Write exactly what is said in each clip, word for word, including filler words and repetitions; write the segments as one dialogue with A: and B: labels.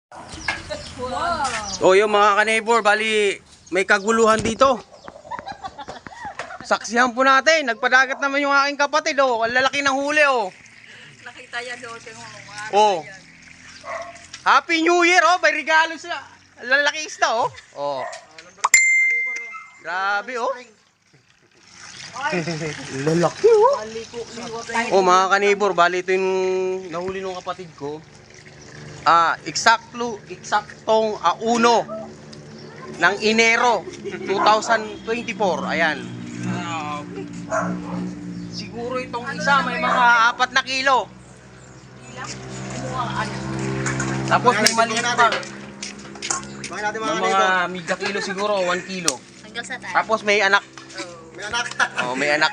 A: O yung mga ka-neighbor, bali may kaguluhan dito. Saksihan po natin, nagpadagat naman yung aking kapatid, oh. Ang lalaki ng huli, oh.
B: Nakita yan doon yung mga
A: Oh. Happy New Year, oh. May regalo sa lalaki isda, oh. Oh. Grabe, oh. Lalaki, oh. Oh, mga ka-neighbor, bali ito yung nahuli ng kapatid ko. Ah, eksakto, eksaktong ah, uno ng Enero twenty twenty-four. Ayan. Siguro itong isa may mga apat na kilo. Tapos may maliit pa. May mga miga kilo siguro, one kilo.
B: hanggang sa tayo.
A: Tapos may anak.
C: May anak.
A: Oh, may anak.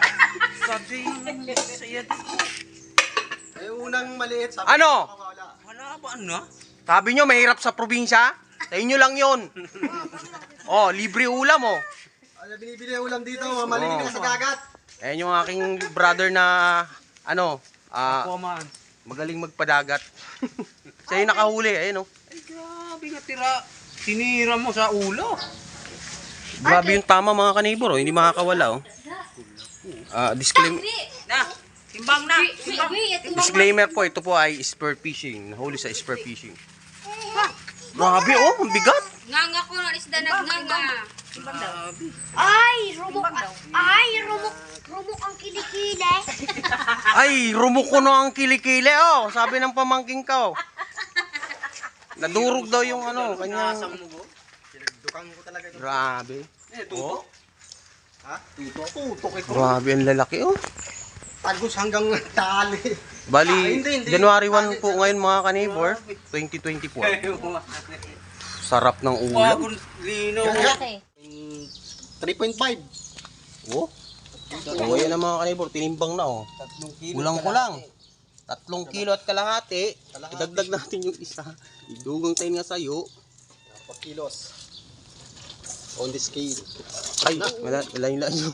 C: May unang maliit. Sabi
A: Ano?
C: ko, wala.
A: Wala ba ano? Sabi nyo mahirap sa probinsya? Sa inyo lang yun. Oh, libre ulam, oh.
C: Ano binibili yung ulam dito? Mga maliliit na sa dagat.
A: Ayan yung aking brother na ano, ah, magaling magpadagat. Siya yung nakahuli, ayun, oh.
D: Ay, grabe nga tira. Tinira mo sa ulo.
A: Grabe yung tama, mga ka-neighbor, oh. Hindi makakawala, oh. Ah, disclaimer,
B: Na, timbang na. Timbang.
A: disclaimer po, ito po ay spear fishing. Nahuli sa spear fishing. Grabe, oh, ang bigat.
B: Nganga ko ng isda na nganga.
E: Ay, rumok. Ay, rumok. Rumok ang kilikili.
A: Ay, rumuko na ang kilikili, oh. Sabi ng pamangking ka, oh. Nadurog daw yung ano, kanyang...
C: Dukang ko talaga ito.
A: Grabe.
D: Eh, tuto.
C: Ha?
D: Tuto. Tuto kay
A: Grabe, ang lalaki, oh.
C: Tagos hanggang tali.
A: Bali,
C: Ah, hindi, hindi.
A: January first po ngayon, mga ka-neighbor, twenty twenty-four. Sarap ng ulam.
D: Wagong lino.
C: three point five.
A: Oh. Oh, yan ang mga ka-neighbor, tinimbang na, oh.
D: Tatlong kilo.
A: Kulang-kulang. Tatlong kilo at kalahati. Idagdag natin yung isa. Idugang tayo nga sa'yo.
C: four kilos. On the scale.
A: Ay, wala, wala yung layo.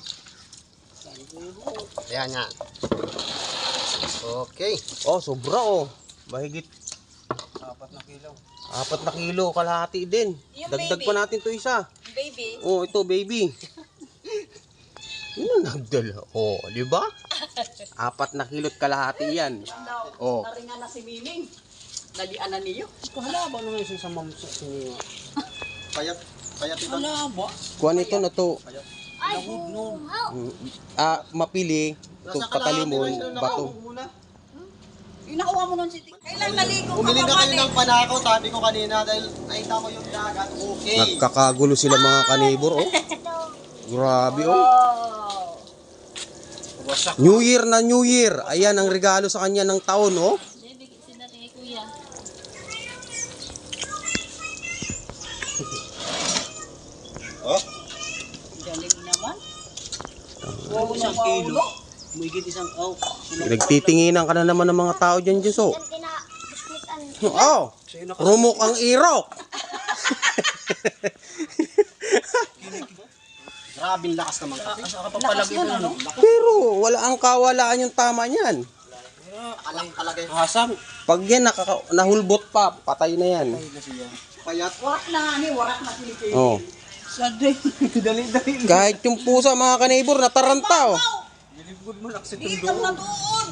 C: Ayan nga. Okay.
A: Oh, sobra, oh. Mahigit
D: Apat na kilo.
A: apat na kilo, kalahati din.
B: Yung
A: Dagdag
B: baby.
A: pa natin to isa.
B: Baby.
A: Oh, ito, baby. Yun ang nagdala. Oh, di ba? Apat na kilot kalahati yan. Oh.
B: Taringan na si Mining. Nalian na niyo.
D: Hala ba nung isa sa mamsa niya?
C: Payat. Payat ito.
D: Hala ba?
A: Kuha nito na to.
E: Ay, buhaw.
A: Mm, Ah, mapili. Ito, patalimon, bato.
B: Inakuha mo nun si Tik. Kailan naligo ka
C: Bumili na
B: pa
C: kayo ng panako, sabi ko kanina, dahil nakita mo yung dagat. Okay.
A: Nagkakagulo sila mga kanibor, oh. Grabe, oh.
D: Wasak.
A: New Year na New Year. Ayan ang regalo sa kanya ng taon, oh.
C: Oh.
B: Galing naman.
D: Isang kilo. Muigit isang oh.
A: Nagtitinginan ka na naman ng mga tao dyan, Diyos, oh.
E: Yan tinabiskuitan.
A: Oh, rumok ang irok.
C: Grabing lakas naman kasi.
D: Asa ka papalagay na no?
A: Pero wala ang kawalaan yung tama niyan.
C: Alang talaga yung
A: Hasang. Pag yan nakaka nahulbot pa, patay na yan.
C: payat.
B: Warak na nga ni, warak na Pilipino.
A: Oh.
D: Saday. Dali-dali.
A: Kahit yung pusa mga kanibor nataranta, oh.
D: Nilibgod mo lang sa
B: Dito
D: tundo.
B: na doon.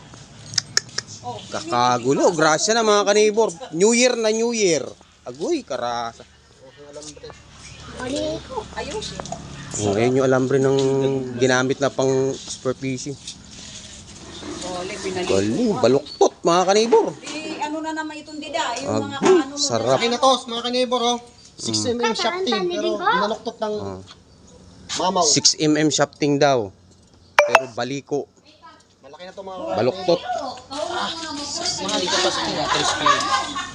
A: Kakagulo, grasya na mga kanibor. New Year na New Year. Agoy, karasa.
E: Bali ko.
B: Ayos.
A: Oh, ayun yung alambre ng ginamit na pang spear fishing.
B: Ole, pinali.
A: Galing, baluktot mga kanibor.
B: Eh, ano na naman itong dida? Yung mga
A: Agoy,
B: ano mo.
A: sarap.
C: Ay na to, mga kanibor, oh. six millimeter shafting, pero nanuktot ng
A: Oh.
C: mamaw.
A: six millimeter shafting daw. Pero baliko,
C: Malaki na to mga
A: baluktot.
D: Mga dito pa sa crispy.